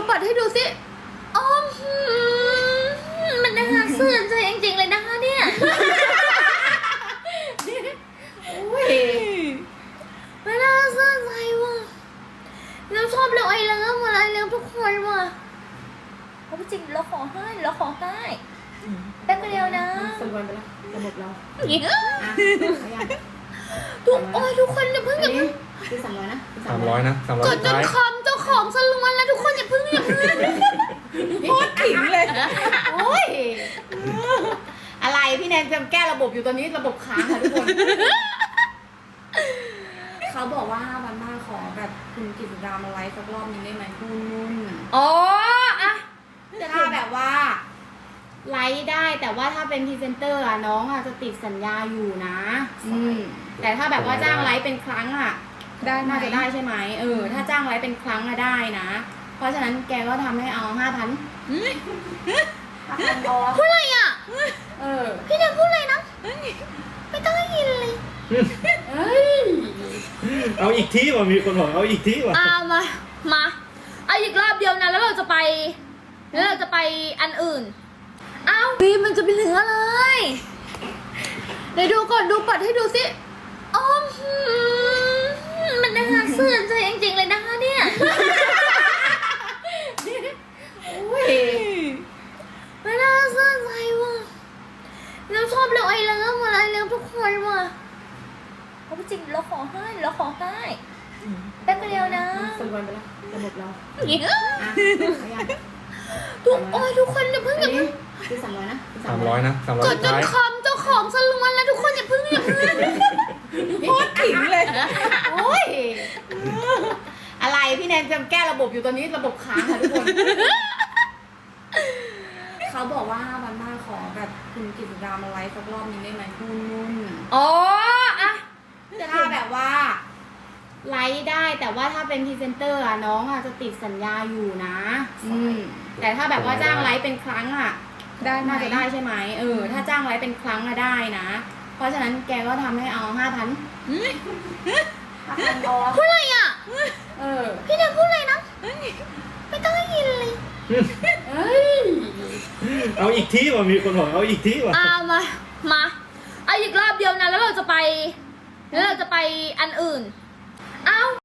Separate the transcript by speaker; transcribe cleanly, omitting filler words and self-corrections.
Speaker 1: บัตรให้ดูสิอ๋อมันน่าเสื่อมใจจริงๆเลยนะคะเนี่ยไม่น่าเสื่อมใจว่ะเราชอบเราไอเลิฟอะไรเลิฟทุกคนว่ะเพราะจริงเราขอให้แป๊บเดียวนะ
Speaker 2: ส่งวันไปแล้วระบบเรา
Speaker 1: ทุกคนอย่าเพิ่ง
Speaker 2: คือ300นะ
Speaker 3: 300 นะ 300
Speaker 1: กดจนคอมเจ้าของสลวนแล้วทุกคนอย่าเพิ่ง
Speaker 2: โคตรขิงเลยโอ้ยอะไรพี่แนนจะแก้ระบบอยู่ตอนนี้ระบบค้างค่ะทุกคนเขาบอกว่าวันหน้าขอแบบคุณกิตติดามาไลฟ์สักรอบนึงได้ไหมนุ่น
Speaker 1: อ๋ออะ
Speaker 2: ถ้าแบบว่าไลฟ์ได้แต่ว่าถ้าเป็นพรีเซนเตอร์อะน้องอะจะติดสัญญาอยู่นะแต่ถ้าแบบว่าจ้างไลฟ์เป็นครั้งอะได้น่าจะได้ใช่ไหมถ้าจ้างไลฟ์เป็นครั้งอะได้นะเพราะฉะนั้นแกก็ทำให้เอา 5,000
Speaker 1: พูดอะไรอ่ะ
Speaker 2: พี่แนนพูดอะไรนะไม่ต้องให้ยินเลย
Speaker 3: เอาอีกทีว่ะมีคนบอกเอาอีกทีว่ะ
Speaker 1: มาเอาอีกรอบเดียวนะแล้วเราจะไปอันอื่นอ้าวบีมันจะเป็นเหลืออะไรเดี๋ยวดูก่อนดูบัตรให้ดูสิอ๋อมันน่าเสื่อมใจจริงๆเลยนะคะเนี่ยไม่น่าเสื่อมใจว่ะเราชอบเราไอเลิฟอะไรเลิฟทุกคนว่ะเพราะจริงเราขอให้แป๊บเดียวนะ
Speaker 2: ส่งวันไปแล้วระบบเรา
Speaker 1: ทุกคนอย่าเพิ่ง
Speaker 2: คือ300นะ
Speaker 3: 300 นะ 300
Speaker 1: กดจนคอมเจ้าของสลวนแล้วทุกคนอย่าเพิ่ง
Speaker 2: โคตรขิงเลยโอ้ยอะไรพี่แนนจะแก้ระบบอยู่ตอนนี้ระบบค้างค่ะทุกคนเขาบอกว่าวันหน้าขอแบบคุณกิตติดามาไลฟ์สักรอบนึงได้ไหมนุ่น
Speaker 1: อ๋ออะ
Speaker 2: ถ้าแบบว่าไลฟ์ได้แต่ว่าถ้าเป็นพรีเซนเตอร์อะน้องอะจะติดสัญญาอยู่นะแต่ถ้าแบบว่าจ้างไลฟ์เป็นครั้งอะน่าจะได้ใช่ไหมถ้าจ้างไลฟ์เป็นครั้งอะได้นะเพราะฉะนั้นแกก็ทำให้เอา 5,000
Speaker 1: พูดอะไรอ่ะ
Speaker 2: พี่แนนพูดอะไรนะไม่ต้องให้ยินเลย
Speaker 3: เอาอีกทีว่ะมีคนบอกเอาอีกทีว่ะ
Speaker 1: มาเอาอีกรอบเดียวนะแล้วเราจะไปอันอื่น